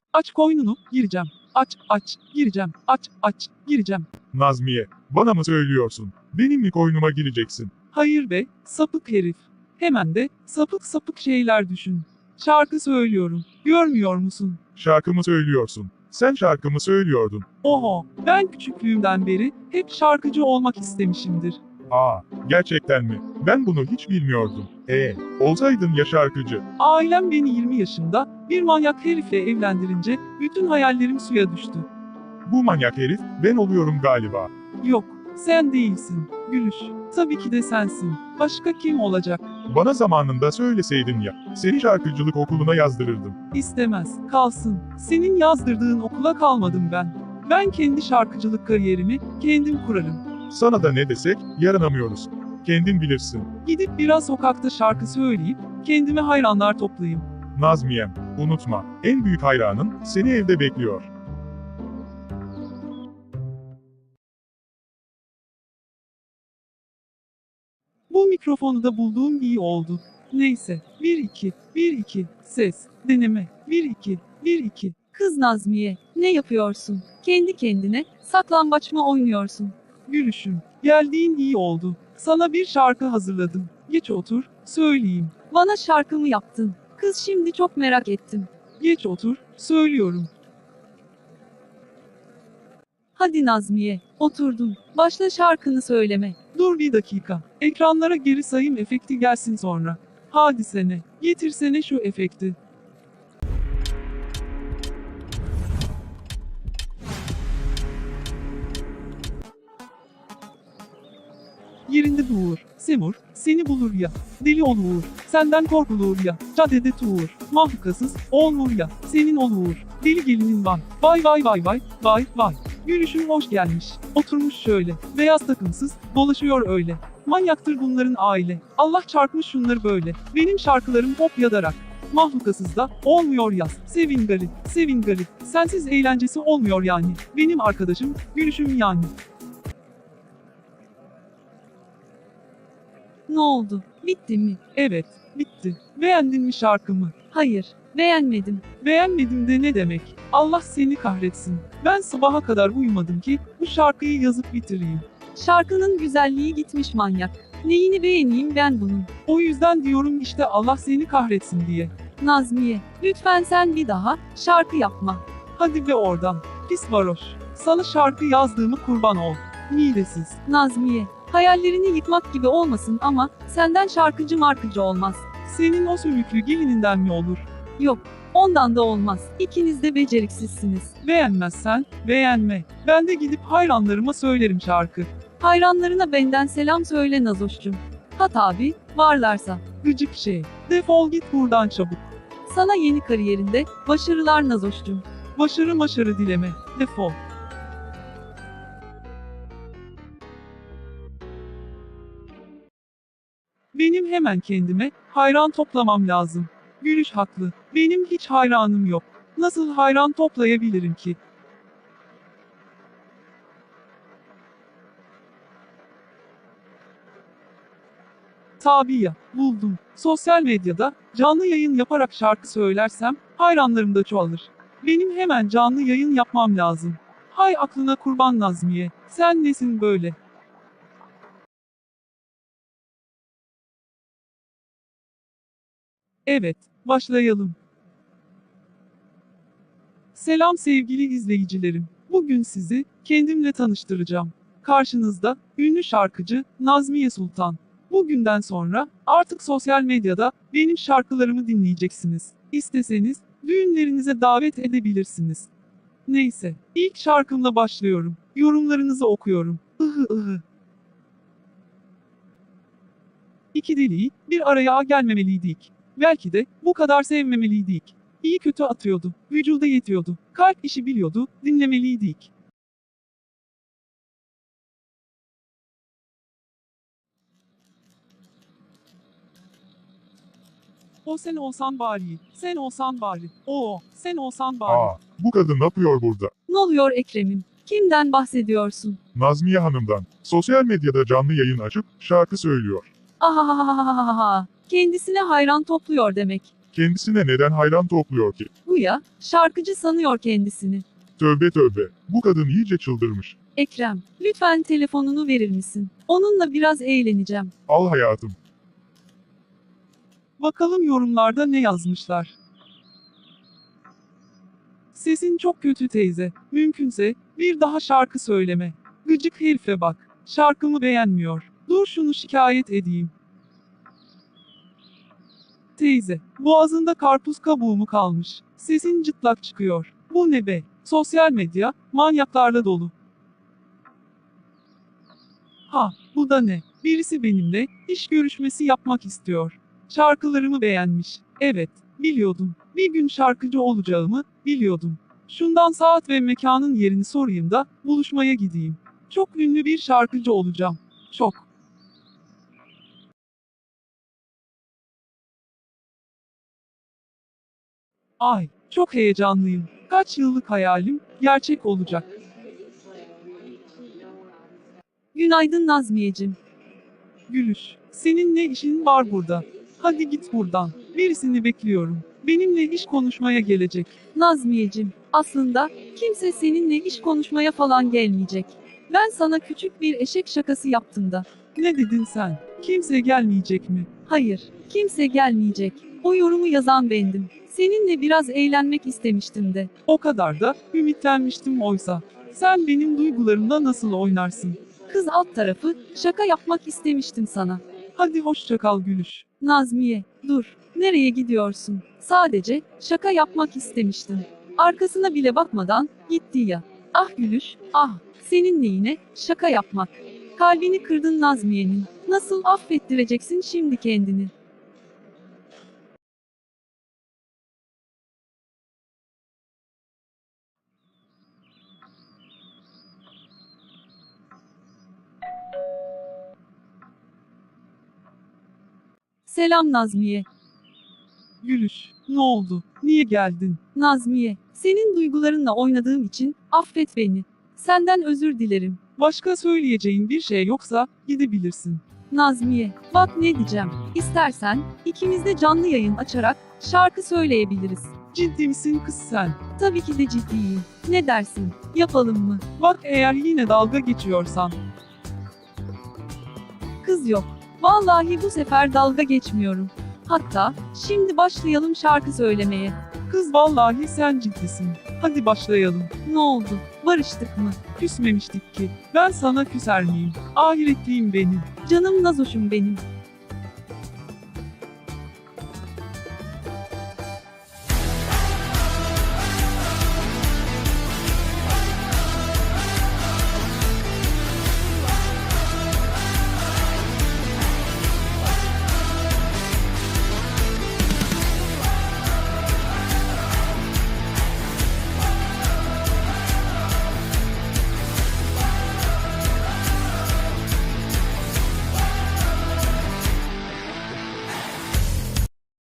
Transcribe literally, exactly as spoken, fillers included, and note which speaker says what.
Speaker 1: Aç koynunu, gireceğim. Aç, aç, gireceğim. Aç, aç, gireceğim.
Speaker 2: Nazmiye, bana mı söylüyorsun? Benim mi koynuma gireceksin?
Speaker 1: Hayır be, sapık herif. Hemen de sapık sapık şeyler düşün. Şarkı söylüyorum. Görmüyor musun?
Speaker 2: Şarkımı söylüyorsun. Sen şarkımı söylüyordun.
Speaker 1: Oho, ben küçüklüğümden beri hep şarkıcı olmak istemişimdir.
Speaker 2: Aa, gerçekten mi? Ben bunu hiç bilmiyordum. Ee, olsaydın ya şarkıcı.
Speaker 1: Ailem beni yirmi yaşında bir manyak herifle evlendirince bütün hayallerim suya düştü.
Speaker 2: Bu manyak herif, ben oluyorum galiba.
Speaker 1: Yok, sen değilsin. Gülüş. Tabii ki de sensin. Başka kim olacak?
Speaker 2: Bana zamanında söyleseydin ya, seni şarkıcılık okuluna yazdırırdım.
Speaker 1: İstemez, kalsın. Senin yazdırdığın okula kalmadım ben. Ben kendi şarkıcılık kariyerimi kendim kurarım.
Speaker 2: Sana da ne desek, yaranamıyoruz. Kendin bilirsin.
Speaker 1: Gidip biraz sokakta şarkı söyleyip kendime hayranlar toplayayım.
Speaker 2: Nazmiyem, unutma, en büyük hayranın seni evde bekliyor.
Speaker 1: Bu mikrofonu da bulduğum iyi oldu. Neyse, bir iki, bir iki, ses, deneme, bir iki, bir iki.
Speaker 3: Kız Nazmiye, ne yapıyorsun? Kendi kendine saklambaç mı oynuyorsun?
Speaker 1: Gülüşüm, geldiğin iyi oldu. Sana bir şarkı hazırladım. Geç otur, söyleyeyim.
Speaker 3: Bana şarkı mı yaptın? Kız şimdi çok merak ettim.
Speaker 1: Geç otur, söylüyorum.
Speaker 3: Hadi Nazmiye, oturdum. Başla şarkını söyleme.
Speaker 1: Dur bir dakika. Ekranlara geri sayım efekti gelsin sonra. Hadi sene, getirsene şu efekti. Yerinde dur, Semur, seni bulur ya. Deli olur, senden korkulur ya. Caddede tuğur, mahlukasız, olmur ya. Senin olur, deli gelinin var. Vay vay vay vay, vay vay. Gülüşün hoş gelmiş. Oturmuş şöyle, beyaz takımsız, dolaşıyor öyle. Manyaktır bunların aile. Allah çarpmış şunları böyle. Benim şarkılarım hop yadarak. Mahlukasız da olmuyor yaz. Sevin garip, sevin garip. Sensiz eğlencesi olmuyor yani. Benim arkadaşım, gülüşüm yani.
Speaker 3: Ne oldu? Bitti mi?
Speaker 1: Evet, bitti. Beğendin mi şarkımı?
Speaker 3: Hayır, beğenmedim.
Speaker 1: Beğenmedim de ne demek? Allah seni kahretsin. Ben sabaha kadar uyumadım ki bu şarkıyı yazıp bitireyim.
Speaker 3: Şarkının güzelliği gitmiş manyak. Neyini beğeneyim ben bunun?
Speaker 1: O yüzden diyorum işte Allah seni kahretsin diye.
Speaker 3: Nazmiye, lütfen sen bir daha şarkı yapma.
Speaker 1: Hadi be oradan. Pis varoş. Sana şarkı yazdığımı kurban ol. Midesiz.
Speaker 3: Nazmiye, hayallerini yıkmak gibi olmasın ama senden şarkıcı markıcı olmaz.
Speaker 1: Senin o sümüklü gelininden mi olur?
Speaker 3: Yok, ondan da olmaz. İkiniz de beceriksizsiniz.
Speaker 1: Beğenmezsen, beğenme. Ben de gidip hayranlarıma söylerim şarkı.
Speaker 3: Hayranlarına benden selam söyle Nazoş'cum. Ha tabi, varlarsa.
Speaker 1: Gıcık şey. Defol git buradan çabuk.
Speaker 3: Sana yeni kariyerinde başarılar Nazoş'cum.
Speaker 1: Başarı maşarı dileme. Defol. Benim hemen kendime hayran toplamam lazım. Gülüş haklı. Benim hiç hayranım yok. Nasıl hayran toplayabilirim ki? Tabii ya, buldum. Sosyal medyada canlı yayın yaparak şarkı söylersem hayranlarım da çoğalır. Benim hemen canlı yayın yapmam lazım. Hay aklına kurban Nazmiye. Sen nesin böyle? Evet, başlayalım. Selam sevgili izleyicilerim. Bugün sizi kendimle tanıştıracağım. Karşınızda ünlü şarkıcı Nazmiye Sultan. Bugünden sonra artık sosyal medyada benim şarkılarımı dinleyeceksiniz. İsteseniz düğünlerinize davet edebilirsiniz. Neyse, ilk şarkımla başlıyorum. Yorumlarınızı okuyorum. Ihı ıhı. İki deliği bir araya gelmemeliydik. Belki de bu kadar sevmemeliydik. İyi kötü atıyordu, vücuda yetiyordu, kalp işi biliyordu, dinlemeliydik. O sen olsan bari, sen olsan bari, o sen olsan bari.
Speaker 2: Aa, bu kadın ne yapıyor burada?
Speaker 3: Ne oluyor Ekrem'im? Kimden bahsediyorsun?
Speaker 2: Nazmiye Hanım'dan. Sosyal medyada canlı yayın açıp şarkı söylüyor.
Speaker 3: Ahahahahaha. Kendisine hayran topluyor demek.
Speaker 2: Kendisine neden hayran topluyor ki?
Speaker 3: Bu ya, şarkıcı sanıyor kendisini.
Speaker 2: Tövbe tövbe, bu kadın iyice çıldırmış.
Speaker 3: Ekrem, lütfen telefonunu verir misin? Onunla biraz eğleneceğim.
Speaker 2: Al hayatım.
Speaker 1: Bakalım yorumlarda ne yazmışlar. Sesin çok kötü teyze. Mümkünse bir daha şarkı söyleme. Gıcık herife bak. Şarkımı beğenmiyor. Dur şunu şikayet edeyim. Teyze, boğazında karpuz kabuğu mu kalmış? Sesin cıtlak çıkıyor. Bu ne be? Sosyal medya, manyaklarla dolu. Ha, bu da ne? Birisi benimle iş görüşmesi yapmak istiyor. Şarkılarımı beğenmiş. Evet, biliyordum. Bir gün şarkıcı olacağımı biliyordum. Şundan saat ve mekanın yerini sorayım da buluşmaya gideyim. Çok ünlü bir şarkıcı olacağım. Çok. Ay, çok heyecanlıyım. Kaç yıllık hayalim gerçek olacak.
Speaker 3: Günaydın Nazmiyeciğim.
Speaker 1: Gülüş, senin ne işin var burada? Hadi git buradan. Birisini bekliyorum. Benimle iş konuşmaya gelecek.
Speaker 3: Nazmiyeciğim, aslında kimse seninle iş konuşmaya falan gelmeyecek. Ben sana küçük bir eşek şakası yaptım da.
Speaker 1: Ne dedin sen? Kimse gelmeyecek mi?
Speaker 3: Hayır, kimse gelmeyecek. O yorumu yazan bendim. Seninle biraz eğlenmek istemiştim de.
Speaker 1: O kadar da ümitlenmiştim oysa. Sen benim duygularımla nasıl oynarsın?
Speaker 3: Kız alt tarafı, şaka yapmak istemiştim sana.
Speaker 1: Hadi hoşça kal Gülüş.
Speaker 3: Nazmiye, dur. Nereye gidiyorsun? Sadece şaka yapmak istemiştim. Arkasına bile bakmadan gitti ya. Ah Gülüş, ah. Senin neyine şaka yapmak. Kalbini kırdın Nazmiye'nin. Nasıl affettireceksin şimdi kendini? Selam Nazmiye.
Speaker 1: Gülüş, ne oldu? Niye geldin?
Speaker 3: Nazmiye, senin duygularınla oynadığım için affet beni. Senden özür dilerim.
Speaker 1: Başka söyleyeceğin bir şey yoksa gidebilirsin.
Speaker 3: Nazmiye, bak ne diyeceğim. İstersen ikimiz de canlı yayın açarak şarkı söyleyebiliriz.
Speaker 1: Ciddi misin kız sen?
Speaker 3: Tabii ki de ciddiyim. Ne dersin? Yapalım mı?
Speaker 1: Bak eğer yine dalga geçiyorsan.
Speaker 3: Kız yok. Vallahi bu sefer dalga geçmiyorum. Hatta şimdi başlayalım şarkı söylemeye.
Speaker 1: Kız vallahi sen ciddisin. Hadi başlayalım.
Speaker 3: Ne oldu? Barıştık mı?
Speaker 1: Küsmemiştik ki. Ben sana küser miyim? Ahiretliyim benim.
Speaker 3: Canım Nazoş'um benim.